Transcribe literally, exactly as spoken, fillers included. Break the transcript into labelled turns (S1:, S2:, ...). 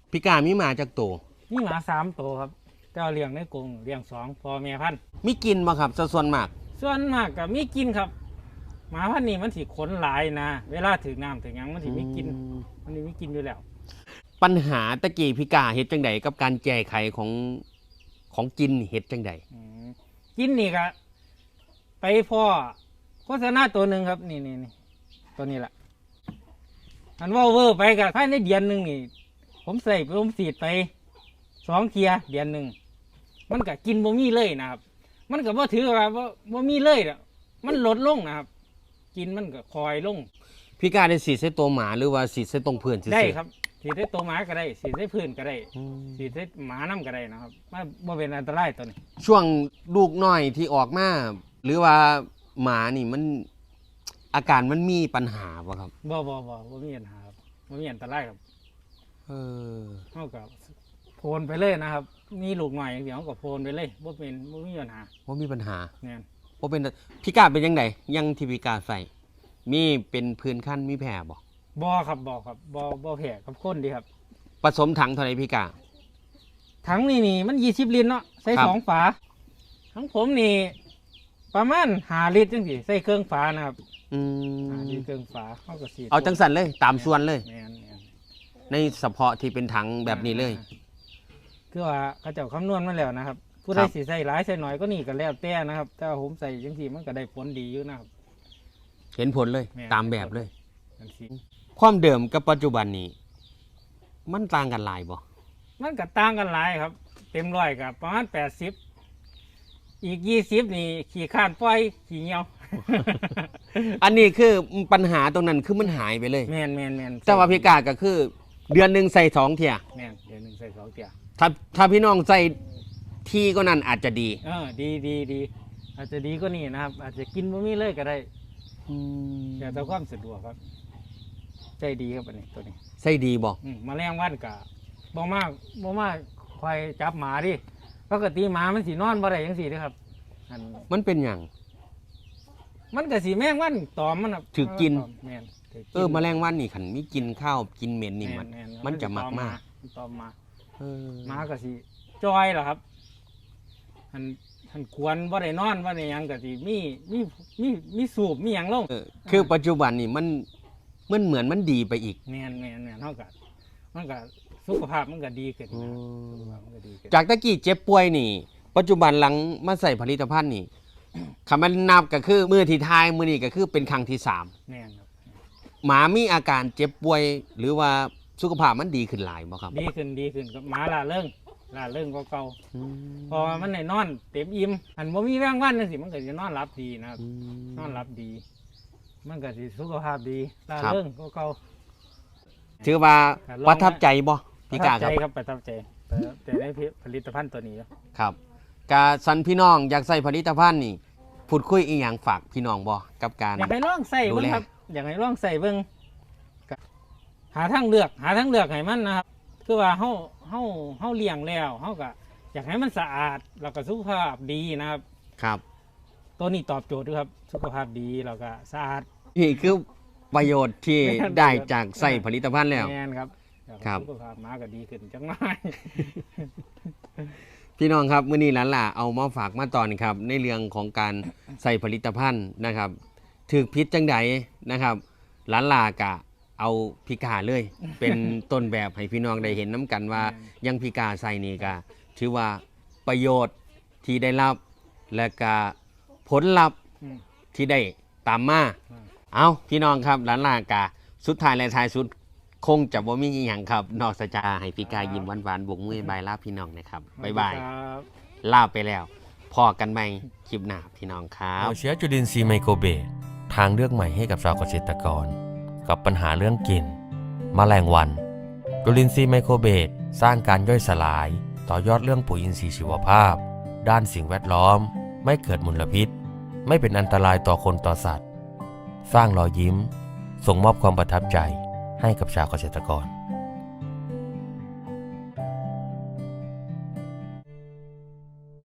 S1: พี่กามีหมาจากตัว
S2: มีหมาสามตัวครับเจ้าเลี้ยงในกรงเลี้ยงสองพ่อแม่พันธุ์
S1: มีกินบ่ครับส่วนมาก
S2: ส่วนมากก็มีกินครับหมาพันธุ์นี้มันสิขนหลายนะเวลาถึงน้ำถึงยังมันสิมีกินมันสิมีกินอยู่แล้ว
S1: ปัญหาตะกี้พี่กาเฮ็ดจังไดกับการแก้ไขของของกินเฮ็ดจังได
S2: กินนี่ก็ไปพ่อโฆษณาตัวหนึ่งครับนี่นี่นี่ตัวนี้แหละอันว่าเวอร์ไปกับภายในเดือนหนึ่งนี่ผมใส่ผมสีดไปสองเทียเดือนหนึ่งมันก็กินบ่มีเลยนะครับมันก็บ่ถือว่าบ่บ่มีเลยอ่ะมันลดลงนะครับกินมันก็คอยลง
S1: พี่กาได้สีดใส่ตัวหมาหรือว่าสีดใส่ตรงพื้นซื่อ
S2: ได้ครับสีดใส่ตัวหมาก็ได้สีดใส่พื้นก็ได้สีดใส่หมาน้ำก็ได้นะครับมันบ่เป็นอันตรายตัวนี้
S1: ช่วงลูกน้อยที่ออกมาหรือว่าหมานี่มันอาการมันมีปัญหาป่ะครับ
S2: บ่บ่บ่บ่มีปัญหาครับบ่มีอันตรายครับ
S1: เออ
S2: เท่ากับโพนไปเลยนะครับมีลูกหน่อยอย่างเดียวก็โพนไปเลยบ่เป็นบ่มีปัญหา
S1: บ่มีปัญหา
S2: เนี่ย
S1: บ่เป็นพี่กาเป็นยังไงยังที่พี่กาใส่มีเป็นพื้นขั้นมีแผลบ่
S2: บ่ครับบ่ครับบ่บ่แผลกับคนดีครับ
S1: ผสมถังเท่าไหร่พี่กา
S2: ถังนี่นี่มันยี่สิบลิตรเนาะใส่สองฝาทั้งผมนี่ประมาณห้าลิตรจังสิใส่เครื่องฝานะครับ
S1: อืม
S2: ห้าลิตรเครื่องฝาเข้ากับสี
S1: เอาจังสันเลยตามส่วนเลยในเฉพาะที่เป็นถังแบบนี้เลย
S2: คือว่าเขาเจ้าคำนวณมาแล้วนะครับผู้ใดสิใส่หลายใส่น้อยก็นี่ก็แล้วแต่นะครับถ้าผมใส่จังสิมันก็ได้ผลดีอยู่นะครับ
S1: เห็นผลเลยตามแบบเลยความเดิมกับปัจจุบันนี้มันต่างกันหลายบ่
S2: มันก็ต่างกันหลายครับเต็มร้อยกับประมาณแปดสิบอีกยี่สิบนี่ขี่ข้านปล่อยขี่เหี่ยว
S1: อันนี้คือปัญหาตรงนั้นคือมันหายไปเลย
S2: แมนแมนแมน
S1: แต่ว่าพิกาก็คือเดือนหนึ่งใส่สองเที่ย
S2: แมนเดือนหนึ่งใส่สองเที่ย
S1: ถ้าถ้าพี่น้องใส่ที่ก็นั่นอาจจะดี
S2: เออดีดีดีอาจจะดีก็นี่นะครับอาจจะกินบะหมี่เลยก็ได้แต่แต่ความสะดวกครับใจดีครับอันนี้ตัวนี้
S1: ใส่ดีบอก
S2: มาแรงวันกะบ่มากบ่มากคอยจับหมาดิปกติหมามันสีนอนบ่ได้ยังสีด้วยครับ
S1: มันเป็นอย่าง
S2: มันก็สีแมงวันตอมมัน
S1: ถือกินเออแมลงวันนี่ขันมีกินข้าวกินเหม็นนี่มันมันจะมักมาก
S2: ตอมมาหมาก็สีจอยเหรอครับหันหันควรบ่ได้นอนบ่ได้ยังก็สีมีมีมีมีสูบมีอย่างลง
S1: คือปัจจุบันนี่มันมันเหมือนมันดีไปอีก
S2: แมนแมนแมนเท่ากับมันก็สุขภาพมันก็ดีขึ้น
S1: จากตะกี้เจ็บป่วยนี่ปัจจุบันหลังมาใส่ผลิตภัณฑ์นี่คำมันนับก็คือมือที่ทายมือนี่ก็คือเป็นครั้งที่สามหมามีอาการเจ็บป่วยหรือว่าสุขภาพมันดีขึ้นหลายบ่ครับ
S2: ดีขึ้นดีขึ้นกับหมาล่าเรื่องล่าเรื่องก็เก่าพอมันได้นอนเต็มอิ่มอันบ่มีแรงวันนั่นสิมันก็จะนอนหลับดีนะครับนอนหลับดีมันก็สิสุขภาพดีล่าเรื่องก็เก่า
S1: ถือว่าประทับใจบ่พี่กาครับ
S2: ครับประทับใจแต่ได้ผลิตภัณฑ์ตัวนี้
S1: ครับกาสันพี่น้องอยากใส่ผลิตภัณฑ์นี่พูดคุยอีกอย่างฝากพี่น้องบ่กับการ
S2: อยากให้ลองใส่เบิ่งครับอยากให้ลองใส่เบิ่งหาทางเลือกหาทางเลือกให้มันนะครับคือว่าเฮาเฮาเฮาเลี้ยงแล้วเฮาก็อยากให้มันสะอาดแล้วก็สุขภาพดีนะครับ
S1: ครับ
S2: ตัวนี้ตอบโจทย์ด้วยครับสุขภาพดีแล้วก็สะอาด
S1: นี่คือประโยชน์ที่ได้จากใส่ผลิตภัณฑ์แล้ว
S2: แม่นครับ
S1: ครับ
S2: สุขภาพหมาก็ดีขึ้นจังไง
S1: พี่น้องครับมื้อนี้หลานล่ะเอามาฝากมาตอนครับในเรื่องของการใส่ผลิตภัณฑ์นะครับถึกพิษจังใดนะครับหลานล่ะกะเอาพิกาเลยเป็นต้นแบบให้พี่น้องได้เห็นน้ำกันว่ายังพิกาใส่นี่กะถือว่าประโยชน์ที่ได้รับและก็ผลลัพธ์ที่ได้ตามมาเอาพี่น้องครับหลานล่ะกะสุดท้ายและท้ายสุดคงจะบ่มีอีหยังครับนอกจากให้พี่กายิ้มหวานๆบกมือบายลาพี่น้องนะครับบ๊ายบายลาไปแล้วพอกันใหม่คลิปหน้าพี่น้องครับ
S3: หัวเชื้อจุลินทรีย์ไมโครเบสทางเลือกใหม่ให้กับชาวเกษตรกรกับปัญหาเรื่องกลิ่นแมลงวันจุลินทรีย์ไมโครเบสสร้างการย่อยสลายต่อยอดเรื่องปุ๋ยอินทรีย์ชีวภาพด้านสิ่งแวดล้อมไม่เกิดมลพิษไม่เป็นอันตรายต่อคนต่อสัตว์สร้างรอยยิ้มส่งมอบความประทับใจให้กับชาวเกษตรกร